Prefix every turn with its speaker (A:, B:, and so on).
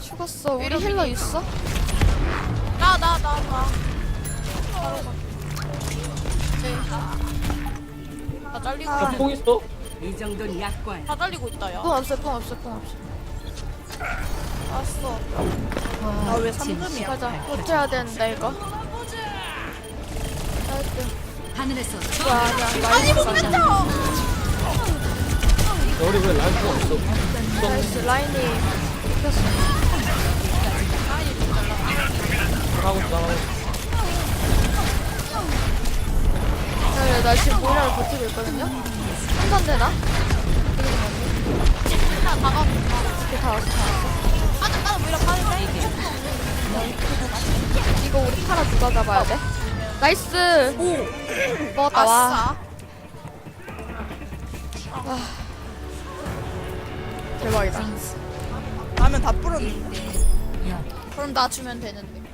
A: 죽었어. 우리 힐러 있어?
B: 나. 바로 가. 나 잘리고
A: 아.
B: 있네.
C: 뽕 있어?
D: 이 정도는 약과야.
B: 다 잘리고 있다 야.
A: 뽕 없어, 뽕 없어, 뽕 없어.
B: 왔어. 아 왜 3금이야?
A: 가자. 버텨야 되는데, 이거. 나이스.
D: 하늘에서
A: 이거 아니야.
B: 아니 못
A: 가자.
B: 뱉어.
C: 야, 우리 왜 라인 뽕 없어?
A: 나이스. 라인이 이겼어.
C: 나가고 있어, 나가고 있어.
A: 나 지금 모이라를 버티고 있거든요? 한잔 되나?
B: 나 나가고.
A: 이렇게 다 왔어, 다 왔어.
B: 나는 뭐이라 가는데?
A: 이거 우리 파라 누가 잡아야 돼? 나이스!
B: 오.
A: 먹었다, 와.
B: 아싸.
A: 대박이다.
B: 라면 다 불었는데. 그럼 나 주면 되는데.